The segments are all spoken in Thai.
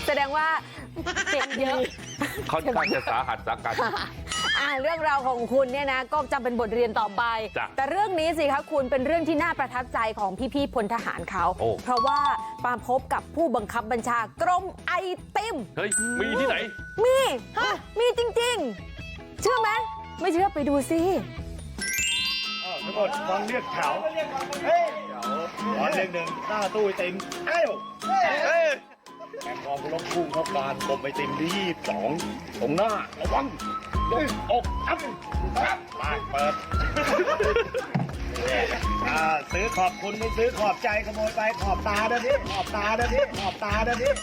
แสดงว่าเจ็บเยอะค่อนข้างจะสาหัสสากันเรื่องราวของคุณเนี่ยนะก็จำเป็นบทเรียนต่อไป แต่เรื่องนี้สิคะคุณเป็นเรื่องที่น่าประทับใจของพี่ๆพลทหารเขา เพราะว่ามาพบกับผู้บังคับบัญชากรมไอติมเฮ้ย มีที่ไหนมีจริงๆ เชื่อไหมไม่เชื่อไปดูสิทั้งหมดฟังเรียกแถวเฮ้ยขอเลขหนึ่งหน้าตู้ไอติมเอ้าแข่งกองรบพุ่งเข้าการกรมไอติมที่22ตรงหน้าระวังยกอกอัพไปเปิดซื้อขอบคุณไม่ซื้อขอบใจขโมยไปขอบตาเด้อพี่ขอบตาเด้อพี่ขอบตาเด้อพี่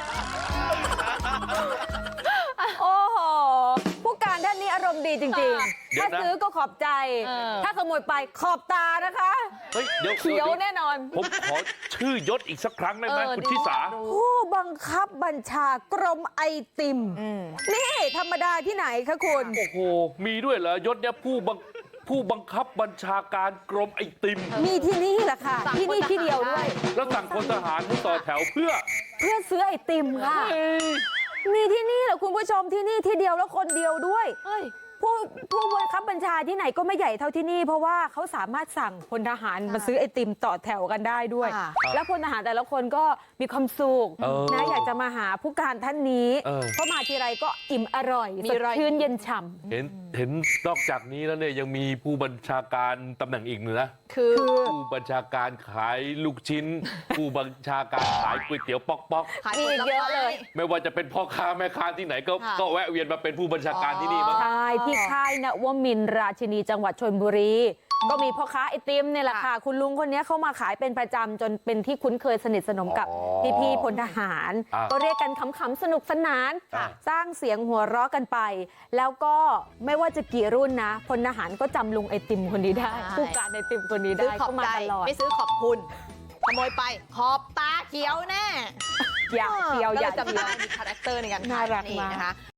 โอ้โหผู้การท่านนี้อารมณ์ดีจริงๆ ถ้าซื้อก็ขอบใจ ถ้าขโมยไปขอบตานะคะเฮ้ย เดี๋ยวเขียวแน่นอนผมขอชื่อยศอีกสักครั้งได้ไหมคุณชิสาผู้บังคับบัญชากรมไอติม นี่ธรรมดาที่ไหนคะคุณโอ้โห มีด้วยเหรอยศเนี่ยผู้บังคับบัญชาการกรมไอติมมีที่นี่แหละค่ะ ที่นี่ที่เดียวด้วยแล้วสั่งพลทหารให้ต่อแถวเพื่อซื้อไอติมค่ะ มีที่นี่แหละคุณผู้ชมที่นี่ที่เดียวแล้วคนเดียวด้วยผู้บังคับบัญชาที่ไหนก็ไม่ใหญ่เท่าที่นี่เพราะว่าเขาสามารถสั่งพลทหารมาซื้อไอติมต่อแถวกันได้ด้วย แล้วพลทหารแต่ละคนก็มีความสุขนะอยากจะมาหาผู้การท่านนี้เพราะมาทีไรก็อิ่มอร่อยสดชื่นเย็นฉ่ำเห็นนอกจากนี้แล้วเนี่ยยังมีผู้บัญชาการตำแหน่งอีกหนึ่งนะคือผู้บัญชาการขายลูกชิ้น ผู้บัญชาการขายก๋วยเตี๋ยวป๊อกมีเยอะเลยๆไม่ว่าจะเป็นพ่อค้าแม่ค้าที่ไหนก็แวะเวียนมาเป็นผู้บัญชาการที่นี่มั้งใช่ที่ค่ายนวมินทร์ราชินีจังหวัดชลบุรี ก็มีพ่อค้าไอติมเนี่ยแหละค่ะ คุณลุงคนนี้เขามาขายเป็นประจำจนเป็นที่คุ้นเคยสนิทสนมกับพี่ๆพลทหาร ก็เรียกกันขำๆสนุกสนาน สร้างเสียงหัวเราะกันไป แล้วก็ไม่ว่าจะกี่รุ่นนะพลทหารก็จำลุงไอติมคนนี้ได้ผู้การไอติมคนนี้ได้ก็มาตลอดไม่ซื้อขอบคุณขโมยไปขอบตาเขียวแน่อย่าเดียวอย่าก็เลยจำได้มีคาแรคเตอร์ในการขายน่ารักนี่มากนะคะ